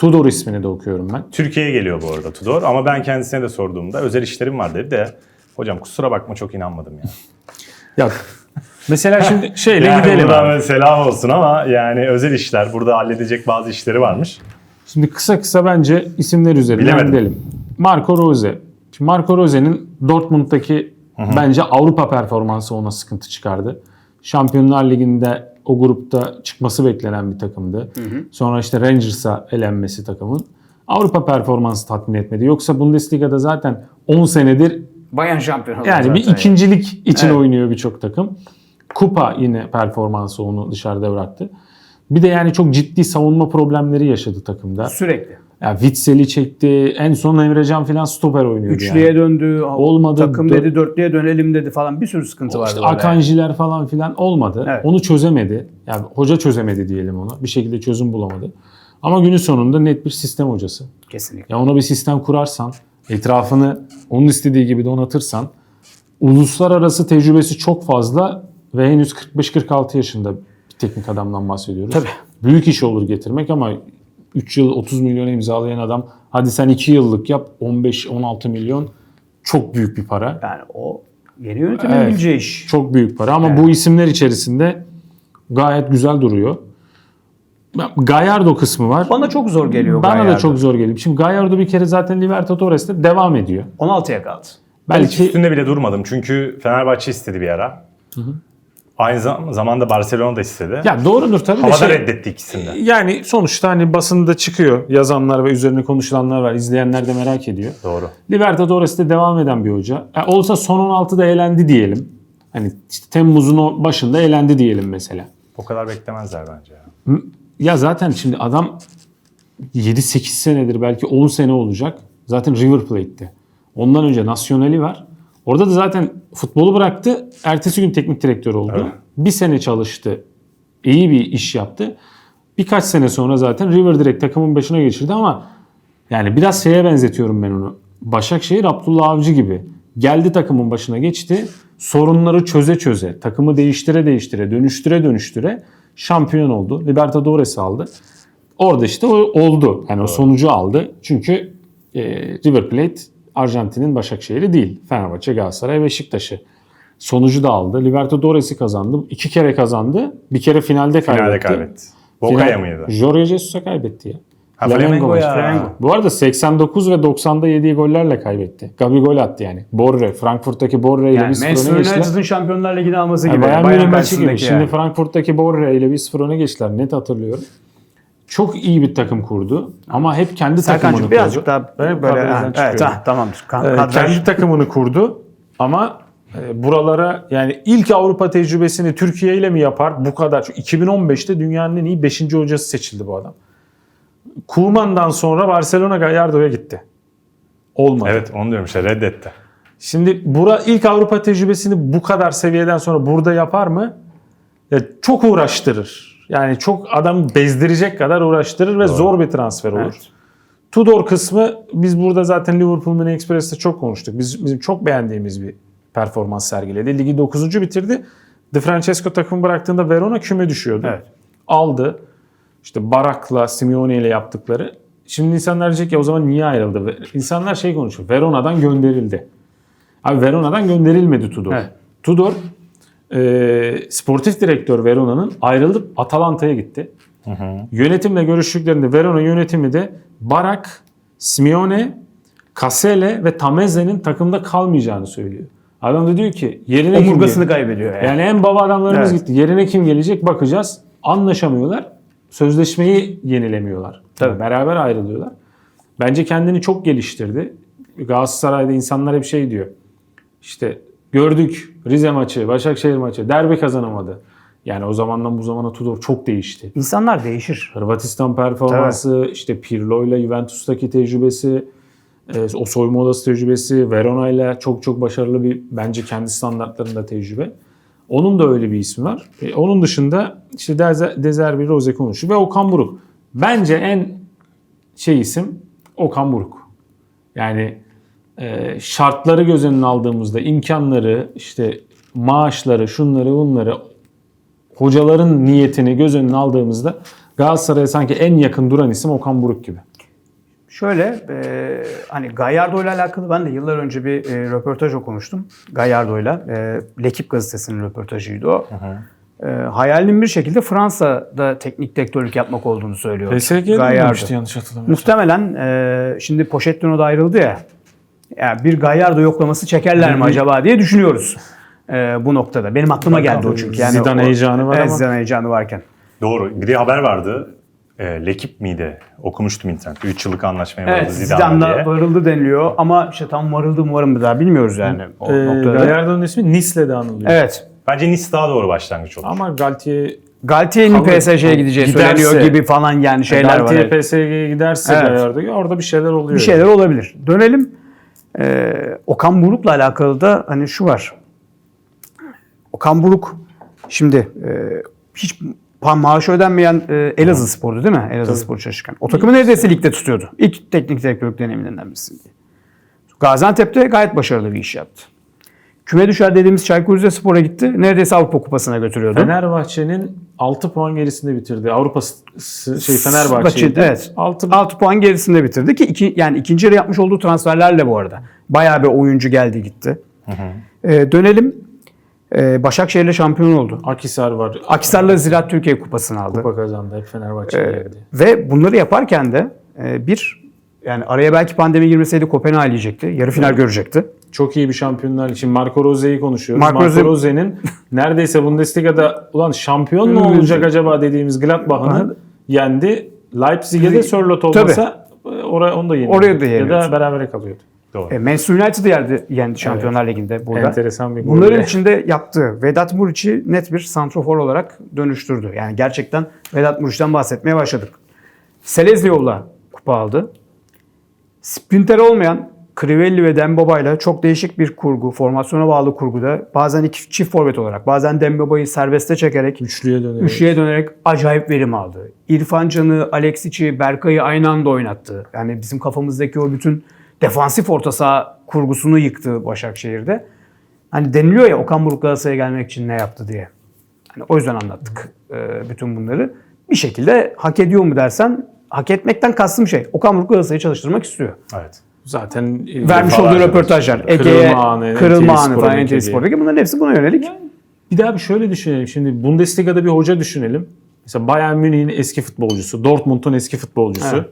Tudor ismini de okuyorum ben. Türkiye'ye geliyor bu arada Tudor ama ben kendisine de sorduğumda özel işlerim var dedi de hocam kusura bakma çok inanmadım ya. Ya mesela şimdi şeyle Yani gidelim buradan abi. selam olsun ama yani özel işler burada halledecek bazı işleri varmış. Şimdi kısa bence isimler üzerinden Bilemedim. gidelim. Marco Rose. Şimdi Marco Rose'nin Dortmund'daki bence Avrupa performansı ona sıkıntı çıkardı. Şampiyonlar Ligi'nde o grupta çıkması beklenen bir takımdı. Sonra işte Rangers'a elenmesi takımın. Avrupa performansı tatmin etmedi. Yoksa Bundesliga'da zaten 10 senedir Bayan şampiyon oldu yani bir zaten ikincilik için oynuyor birçok takım. Kupa yine performansı onu dışarıda bıraktı. Bir de yani çok ciddi savunma problemleri yaşadı takımda. Sürekli. Ya Witsel'i çekti. En son Emrecan falan stoper oynuyordu Üçlüye yani. döndü. Olmadı. Takım dedi dörtlüye dönelim dedi falan. Bir sürü sıkıntı vardı. İşte orada. Akanjiler falan filan olmadı. Evet. Onu çözemedi. Yani hoca çözemedi diyelim ona. Bir şekilde çözüm bulamadı. Ama günün sonunda net bir sistem hocası. Kesinlikle. Ya ona bir sistem kurarsan, etrafını onun istediği gibi donatırsan, uluslararası tecrübesi çok fazla ve henüz 45-46 yaşında bir teknik adamdan bahsediyoruz. Tabii. Büyük iş olur getirmek ama 3 yıl 30 milyona imzalayan adam, hadi sen 2 yıllık yap 15-16 milyon, çok büyük bir para. Yani o yeni yönetimin bileceği iş. Çok büyük para ama bu isimler içerisinde gayet güzel duruyor. Gallardo kısmı var. Bana çok zor geliyor Bana da Gallardo. çok zor geliyor. Şimdi Gallardo bir kere zaten Libertadores'te devam ediyor. 16'ya kaldı. Ben hiç Belki üstünde bile durmadım çünkü Fenerbahçe istedi bir ara. Aynı zamanda Barcelona da istedi. ya doğrudur tabii de Havada reddetti ikisini de. yani sonuçta hani basında çıkıyor yazanlar ve üzerine konuşulanlar var. İzleyenler de merak ediyor. Doğru. Libertadores'te devam eden bir hoca. Olsa son 16'da elendi diyelim. Hani işte Temmuz'un o başında elendi diyelim mesela. O kadar beklemezler bence ya. Ya zaten şimdi adam 7-8 senedir belki 10 sene olacak. Zaten River Plate'te. Ondan önce Nacional'i var. Orada da zaten futbolu bıraktı. Ertesi gün teknik direktör oldu. Evet. Bir sene çalıştı. İyi bir iş yaptı. Birkaç sene sonra zaten River direkt takımın başına geçirdi ama yani biraz şeye benzetiyorum ben onu. Başakşehir Abdullah Avcı gibi. Geldi takımın başına geçti. Sorunları çöze çöze, takımı değiştire değiştire, dönüştüre dönüştüre şampiyon oldu. Libertadores'i aldı. Orada işte o oldu. Yani o sonucu aldı. Çünkü River Plate Arjantin'in Başakşehir'i değil. Fenerbahçe, Galatasaray, Beşiktaş'ı. Sonucu da aldı. Libertadores'i kazandı. 2 kere kazandı. Bir kere finalde kaybetti. Finalde kaybetti. Boca'ya mıydı? Jorge Jesus'a kaybetti ya. Ha, Flamengo ya. Flamengo. Bu arada 89 ve 90'da yediği gollerle kaybetti. Gabi gol attı yani. Borre, Frankfurt'taki Borre ile Yani 1-0 Manchester öne geçtiler. United'ın Şampiyonlar Ligi'ni alması Yani gibi. Bayern Bayern Münih maçı gibi. karşısındaki Şimdi yani. Frankfurt'taki Borre ile 1-0 öne geçtiler. Net hatırlıyorum. Çok iyi bir takım kurdu. Ama hep kendi takımını Serkan'cığım kurdu. birazcık daha böyle Kadrajdan evet, çıkıyorum. tamamdır. Kendi takımını kurdu. Ama buralara yani ilk Avrupa tecrübesini Türkiye ile mi yapar? Bu kadar. Çünkü 2015'te dünyanın en iyi 5. hocası seçildi bu adam. Koeman'dan sonra Barcelona Gallardo'ya gitti. Olmadı. Evet onu diyorum işte reddetti. Şimdi ilk Avrupa tecrübesini bu kadar seviyeden sonra burada yapar mı? Ya çok uğraştırır. Yani çok adam bezdirecek kadar uğraştırır ve zor bir transfer olur. Evet. Tudor kısmı biz burada zaten Liverpool Mini Express'te çok konuştuk. Bizim çok beğendiğimiz bir performans sergiledi. Ligi 9. bitirdi. De Francesco takımı bıraktığında Verona küme düşüyordu. Evet. Aldı. İşte Barak'la, Simeone ile yaptıkları. Şimdi insanlar diyecek ya o zaman niye ayrıldı? İnsanlar şey konuşuyor. Verona'dan gönderildi. Abi Verona'dan gönderilmedi Tudor. Evet. Tudor sportif direktör Verona'nın ayrılıp Atalanta'ya gitti. Yönetimle görüştüklerinde Verona yönetimi de Barak, Simeone, Casele ve Tameze'nin takımda kalmayacağını söylüyor. Adam da diyor ki yerine kim Omurgasını gelecek? kaybediyor yani. Yani en baba adamlarımız Evet. gitti. Yerine kim gelecek bakacağız. Anlaşamıyorlar. Sözleşmeyi yenilemiyorlar. Tabii. Beraber ayrılıyorlar. Bence kendini çok geliştirdi. Galatasaray'da insanlar hep şey diyor. İşte gördük Rize maçı, Başakşehir maçı, derbi kazanamadı. Yani o zamandan bu zamana Tudor çok değişti. İnsanlar değişir. Hırvatistan performansı, işte Pirlo ile Juventus'taki tecrübesi, o soyunma odası tecrübesi, Verona ile çok çok başarılı bir bence kendi standartlarında tecrübe. Onun da öyle bir ismi var. Onun dışında işte De Zerbi, Rose konuşuyor ve Okan Buruk. Bence en isim Okan Buruk. Yani şartları göz önüne aldığımızda imkanları, işte maaşları, şunları bunları, hocaların niyetini göz önüne aldığımızda Galatasaray'a sanki en yakın duran isim Okan Buruk gibi. Şöyle hani Gallardo ile alakalı ben de yıllar önce bir röportaj okumuştum. Gallardo'yla. L'Équipe gazetesinin röportajıydı o. Hayalinin bir şekilde Fransa'da teknik direktörlük yapmak olduğunu söylüyor. PSG'de Gallardo. oynamıştı yanlış hatırlamıyorsam. Muhtemelen şimdi Pochettino da ayrıldı ya. Yani bir Gallardo yoklaması çekerler mi acaba diye düşünüyoruz bu noktada. Benim aklıma geldi o çünkü. Yani Zidane heyecanı var evet, ama. Zidane heyecanı varken. Doğru. Bir de haber vardı. L'Équipe miydi? Okumuştum internette. 3 yıllık anlaşmaya vardı Evet, Zidane'la Zidane'da diye. varıldı deniliyor ama işte tam varıldı mı var mı daha bilmiyoruz yani o noktada. Gallardo'nun ismi Nice'le de anılıyor. Evet. Bence Nice daha doğru başlangıç olur. Ama Galtier Galtier'in Kalır. PSG'ye gideceği Giderse- söyleniyor gibi falan yani şeyler var. Galtier Evet. PSG'ye giderse Evet. Gallardo orada bir şeyler oluyor. Bir şeyler olabilir. Dönelim. Okan Buruk'la alakalı da hani şu var. Okan Buruk şimdi hiç maaş ödenmeyen Elazığ Spor'du değil mi? Elazığ Spor çalışırken. O takımı neredeyse ligde tutuyordu. İlk teknik direktörlük deneyiminden birisi. Gaziantep'te gayet başarılı bir iş yaptı. Küme düşer dediğimiz Çaykur Rizespor'a gitti. Neredeyse Avrupa Kupası'na götürüyordu. Fenerbahçe'nin 6 puan gerisinde bitirdi. Fenerbahçe'ydi. Evet. 6 6 puan gerisinde bitirdi ki yani ikinci yarı yapmış olduğu transferlerle bu arada. Bayağı bir oyuncu geldi gitti. Dönelim. Başakşehir'le şampiyon oldu. Akhisar var. Akhisar'la Ziraat Türkiye Kupası'nı aldı. Kupa kazandı. Hep Fenerbahçe'ye geldi. Ve bunları yaparken de yani araya belki pandemi girmeseydi Kopenhag'ı eleyecekti. Yarı final görecekti. Çok iyi bir Şampiyonlar için Marco Rose'yi konuşuyoruz. Marco Marco Rose- Rose'nin neredeyse Bundesliga'da ulan şampiyon mu olacak acaba dediğimiz Gladbach'ını yendi. Leipzig'e de Sörloth olmasa onu da yeniyordu. Oraya da Ya yeniyordu. da berabere kalıyordu. Doğru. Manchester United'ı yendi Şampiyonlar Ligi'nde burada. Enteresan bir gol. Bunların içinde yaptığı Vedat Muriç'i net bir santrofor olarak dönüştürdü. Yani gerçekten Vedat Muriç'ten bahsetmeye başladık. Selezyov'la kupa aldı. Sprinter olmayan Crivelli ve Dembaba'yla çok değişik bir kurgu, formasyona bağlı kurguda bazen iki çift forvet olarak, bazen Dembaba'yı serbeste çekerek, Üçlüye dönerek. üçlüye dönerek acayip verim aldı. İrfan Can'ı, Alexic'i, Berkay'ı aynı anda oynattı. Yani bizim kafamızdaki o bütün defansif orta saha kurgusunu yıktı Başakşehir'de. Hani deniliyor ya Okan Buruk Galatasaray'a gelmek için ne yaptı diye. Hani o yüzden anlattık bütün bunları. Bir şekilde hak ediyor mu dersen, hak etmekten kastım şey. Okan Buruk Galatasaray'ı çalıştırmak istiyor. Evet. Zaten Vermiş olduğu Defalarca röportajlar. Ege'ye Kırılma anı, kırılma NTV anı falan Spor'daki NTV Spor'daki bunların hepsi buna yönelik. bir daha bir şöyle düşünelim. Şimdi Bundesliga'da bir hoca düşünelim. Mesela Bayern Münih'in eski futbolcusu, Dortmund'un eski futbolcusu.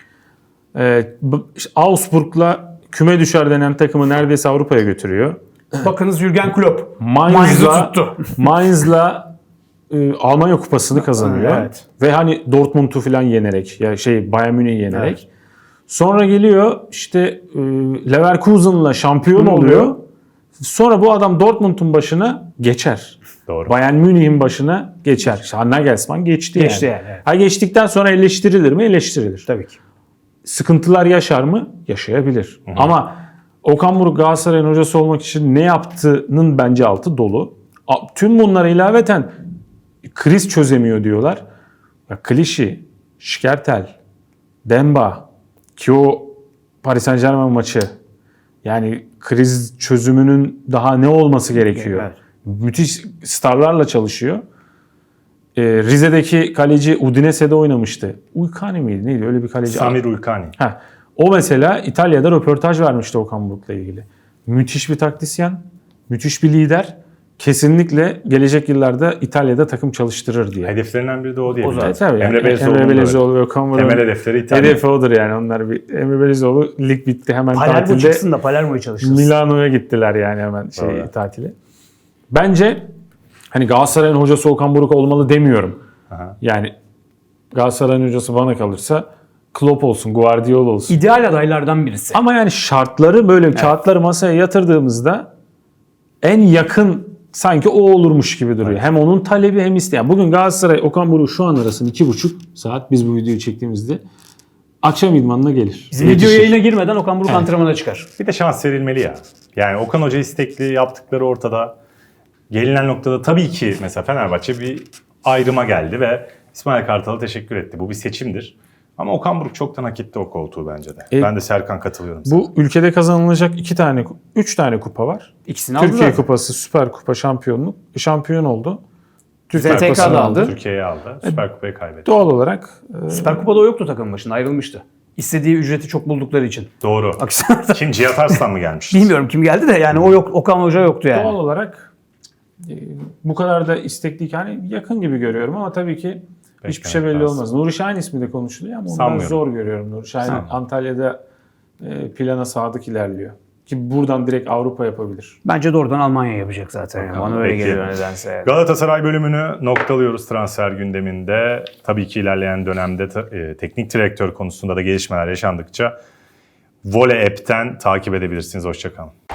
İşte Augsburg'la küme düşer denen takımı neredeyse Avrupa'ya götürüyor. Bakınız Jürgen Klopp. Mainz'la tuttu. Mainz'la Almanya kupasını kazanıyor. Evet. Ve hani Dortmund'u falan yenerek ya Bayern Münih'i yenerek. Evet. Sonra geliyor işte Leverkusen'la şampiyon oluyor. Sonra bu adam Dortmund'un başına geçer. Doğru. Bayern Münih'in başına geçer. İşte Nagelsmann geçti Geçti yani. yani, evet. Ha geçtikten sonra eleştirilir mi? Eleştirilir. Tabii ki. Sıkıntılar yaşar mı? Yaşayabilir. Ama Okan Buruk Galatasaray'ın hocası olmak için ne yaptığının bence altı dolu. Tüm bunlara ilaveten kriz çözemiyor diyorlar. Ya Klişi, Şkertel, Demba ki o Paris Saint-Germain maçı yani kriz çözümünün daha ne olması gerekiyor? Evet. Müthiş starlarla çalışıyor. Rize'deki kaleci Udinese'de oynamıştı. Uykani miydi? Neydi? Öyle bir kaleci. Samir Uykani. O mesela İtalya'da röportaj vermişti Okan Buruk'la ilgili. Müthiş bir taktisyen, müthiş bir lider. Kesinlikle gelecek yıllarda İtalya'da takım çalıştırır diye. Hedeflerinden biri de o diye. Tabii yani. Emre Belezoğlu'nun Emre da Belezoğlu ve Okan Buruk'un temel hedefleri İtalya. hedefi odur yani. Onlar Emre Belezoğlu lig bitti hemen Palermo tatilde çıksın da Palermo'yu çalıştırsın. Milano'ya gittiler yani hemen Doğru. tatile. Bence hani Galatasaray'ın hocası Okan Buruk olmalı demiyorum. Aha. Yani Galatasaray'ın hocası bana kalırsa Klopp olsun, Guardiola olsun. İdeal adaylardan birisi. Ama yani şartları böyle kağıtları masaya yatırdığımızda en yakın sanki o olurmuş gibi duruyor. Hem onun talebi hem isteyen. Bugün Galatasaray Okan Buruk şu an arasında 2,5 saat biz bu videoyu çektiğimizde akşam idmanına gelir. Bizim video yayına girmeden Okan Buruk antrenmana çıkar. Bir de şans verilmeli ya. Yani Okan Hoca istekli, yaptıkları ortada. Gelinen noktada tabii ki mesela Fenerbahçe bir ayrıma geldi ve İsmail Kartal'a teşekkür etti. Bu bir seçimdir. Ama Okan Buruk çoktan hak etti o koltuğu bence de. Ben de Serkan katılıyorum sana. Bu ülkede kazanılacak 3 tane kupa var. İkisini aldı Türkiye zaten. Kupası, Süper Kupa şampiyonluk. Şampiyon oldu. ZTK Süper Kupası'nı da aldı. Türkiye'yi aldı. Süper Kupayı kaybetti. Doğal olarak Süper Kupa'da o yoktu takımın başında ayrılmıştı. İstediği ücreti çok buldukları için. Doğru. Akhisar'da. Kim? Cihat Arslan mı gelmişti? Bilmiyorum kim geldi de yani o yok. Okan Hoca yoktu yani. Doğal olarak bu kadar da istekliyken hani yakın gibi görüyorum ama tabii ki hiçbir şey belli lazım. olmaz. Nuri Şahin ismi de konuşuluyor ama onu ben Sanmıyorum. zor görüyorum. Nuri Şahin Antalya'da plana sadık ilerliyor. Ki buradan direkt Avrupa yapabilir. Bence doğrudan Almanya yapacak zaten. Yani. Bana öyle Peki. geliyor nedense. Yani. Galatasaray bölümünü noktalıyoruz transfer gündeminde. Tabii ki ilerleyen dönemde teknik direktör konusunda da gelişmeler yaşandıkça Vole App'ten takip edebilirsiniz. Hoşça kalın.